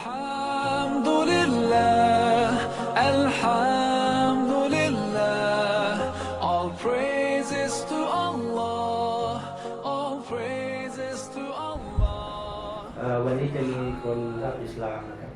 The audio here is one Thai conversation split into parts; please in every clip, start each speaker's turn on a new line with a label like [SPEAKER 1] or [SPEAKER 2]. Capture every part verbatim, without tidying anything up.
[SPEAKER 1] Alhamdulillah, Alhamdulillah, all praises to Allah, all praises to Allah.
[SPEAKER 2] เอ่อวันนี้จะมีคนรับอิสลามนะครับ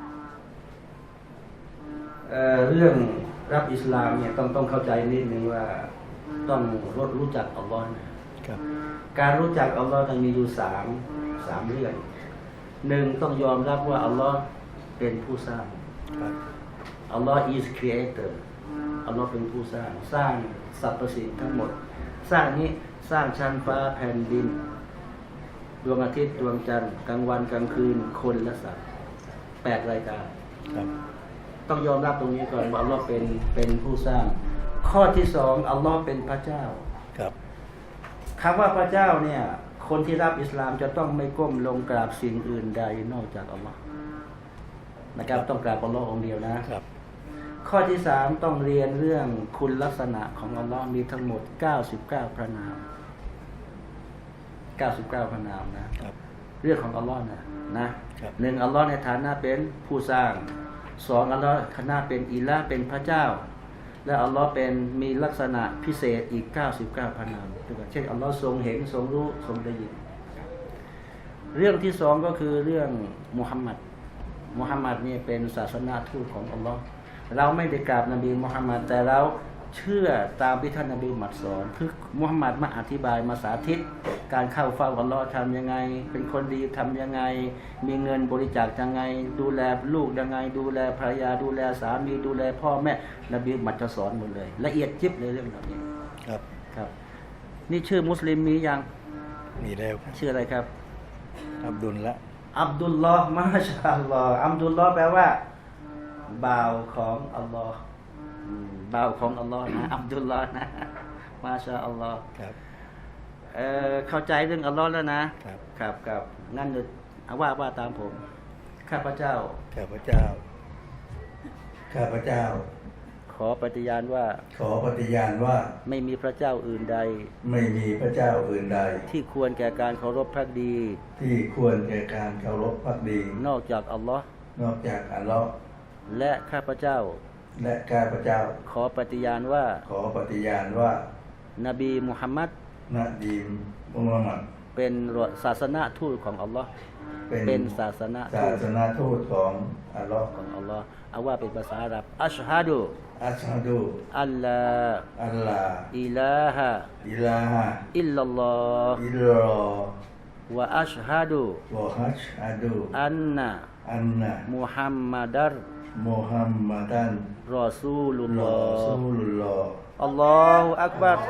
[SPEAKER 2] เอ่อเรื่องรับอิสลามเนี่ยต้องต้องเข้าใจนิดนึงว่าต้องรู้รู้จักอัลลอฮ์นะครับการรู้จักอัลลอฮ์ต้องมีอยู่สามสามเรื่องหนึ่งต้องยอมรับว่าอัลลอฮ์เป็นผู้สร้างอัลลอฮ์ is creator อัลลอฮ์เป็นผู้สร้างสร้างสรรพสิ่งทั้งหมดสร้างนี้สร้างชั้นฟ้าแผ่นดินดวงอาทิตย์ดวงจันทร์กลางวันกลางคืนคนและสัตว์แปดรายการต้องยอมรับตรงนี้ก่อนว่าอัลลอฮ์เป็นเป็นผู้สร้าง ข้อที่สองอัลลอฮ์เป็นพระเจ้าครับคำว่าพระเจ้าเนี่ยคนที่รับอิสลามจะต้องไม่ก้มลงกราบสิ่งอื่นใดนอกจากอัลลอฮ์นะครับต้องกราบอัลลอฮ์องเดียวนะครับข้อที่สามต้องเรียนเรื่องคุณลักษณะของอัลลอฮ์มีทั้งหมดเก้าสิบเก้าพระนามเก้าสิบเก้าพระนามนะครับเรื่องของอัลลอฮ์นะนะหนึ่งอัลลอฮ์ในฐานะเป็นผู้สร้างสองอัลลอฮ์ฐานะเป็นอิละห์เป็นพระเจ้าและอัลลอฮ์เป็นมีลักษณะพิเศษอีกเก้าสิบเก้าพระนามเช่นอัลลอฮ์ทรงเห็นทรงรู้ทรงได้ยินเรื่องที่สองก็คือเรื่องมุฮัมมัดมุฮัมมัดนี่เป็นศาสนาทูตของอัลลอฮ์เราไม่ได้กราบนบีมุฮัมมัดแต่เราเชื่อตามที่ท่านนบีมุฮัมมัดสอนคือมุฮัมมัดมาอธิบายมาสาธิตการเข้าเฝ้าอัลลอฮ์ทำยังไงเป็นคนดีทำยังไงมีเงินบริจาคยังไงดูแลลูกยังไงดูแลภรรยาดูแลสามีดูแลพ่อแม่นบีมุฮัมมัดจะสอนหมดเลยละเอียดยิบเลยเรื่องเหล่านี้ครับครับนี่ชื่อมุสลิมมียัง
[SPEAKER 3] มีแล้ว
[SPEAKER 2] ชื่ออะไรครับ
[SPEAKER 3] อับดุลละ
[SPEAKER 2] อับดุลลอฮ์มาชาอัลลอฮ์อับดุลลอฮ์แปลว่าบ่าวของอัลลอฮ์บ่าวของอัลลอฮ์นะอับดุลลอฮ์นะมาชาอัลลอฮ์ครับเอ่อเข้าใจเรื่องอัลลอฮ์แล้วนะครับครับครับงั้นเดี๋ยวเอาว่าว่าตามผมข้าพเจ้า
[SPEAKER 3] ข้าพเจ้าข้าพเจ้า
[SPEAKER 2] ขอปฏิญาณว่า
[SPEAKER 3] ขอปฏิญาณว่า
[SPEAKER 2] ไม่มีพระเจ้าอื่นใด
[SPEAKER 3] ไม่มีพระเจ้าอื่นใด
[SPEAKER 2] ที่ควรแก่การเคารพภักดี
[SPEAKER 3] ที่ควรแก่การเคารพภักดี
[SPEAKER 2] นอกจากอัลลอฮ์
[SPEAKER 3] นอกจากอัลลอฮ์
[SPEAKER 2] และข้าพเจ้า
[SPEAKER 3] และข้าพเจ้า
[SPEAKER 2] ขอปฏิญาณว่า
[SPEAKER 3] ขอปฏิญาณว่าน
[SPEAKER 2] บีมุฮัมมัด
[SPEAKER 3] นบีมุฮัมมัด
[SPEAKER 2] เป็นศาสนาทูตของอัลลอฮ์เป็นศาสนา
[SPEAKER 3] ศาสนาทูตของอัลลอฮ์
[SPEAKER 2] ของอัลลอฮ์เอาว่าเป็นภาษาอาหรับอัชฮะดู
[SPEAKER 3] อัชฮะดู
[SPEAKER 2] อัลลา
[SPEAKER 3] อัลลา
[SPEAKER 2] อิลาฮะ
[SPEAKER 3] อิลาฮะ
[SPEAKER 2] อิลลัลลอฮ์
[SPEAKER 3] อิลลัลลอฮ์
[SPEAKER 2] วะอัชฮะดู
[SPEAKER 3] วะอัชฮะดู
[SPEAKER 2] อันนะ
[SPEAKER 3] อันนะ
[SPEAKER 2] มุฮัมมัดัร
[SPEAKER 3] มุฮัมมัดัน
[SPEAKER 2] รอซูลุลลอฮ์
[SPEAKER 3] รอซูลุลลอฮ์
[SPEAKER 2] อัลลอฮุอักบัร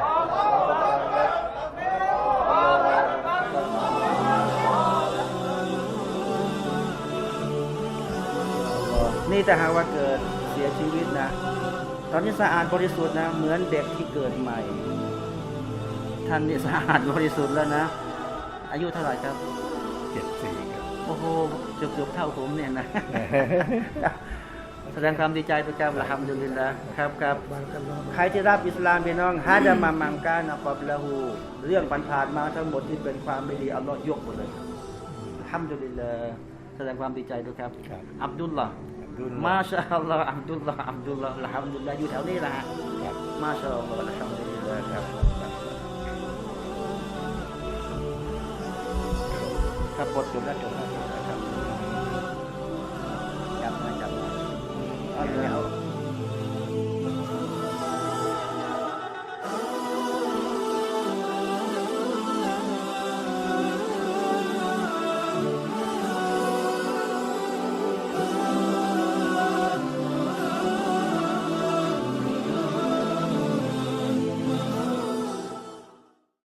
[SPEAKER 2] นี่แต่หากว่าเกิดเสียชีวิตนะตอนนี้สะอาดบริสุทธิ์นะเหมือนเด็กที่เกิดใหม่ท่านนี่สะอาดบริสุทธิ์แล้วนะอายุเท่าไหร่ครับ
[SPEAKER 3] เจ็ดสี่ครับ
[SPEAKER 2] โอ้โหเกือบๆเท่าผมเนี่ยนะแสดงความดีใจประจำละฮัมดุลิลละครับครับใครที่รับอิสลามพี่น้องฮะดะมามังกานะกับละหูเรื่องผ่านๆมาทั้งหมดที่เป็นความไม่ดีอัลลอฮ์ยกหมดเลยฮัมดุลิลละแสดงความดีใจด้วยครับอับดุลลาห์มาชาอัลลอฮ์อับดุลลาห์อับดุลลาห์ละฮัมดุลิลละอยู่แถวนี้แหละมาชาอัลลอฮ์ละฮัมดุลิลละครับครับบทจบแล้วจบแล้ว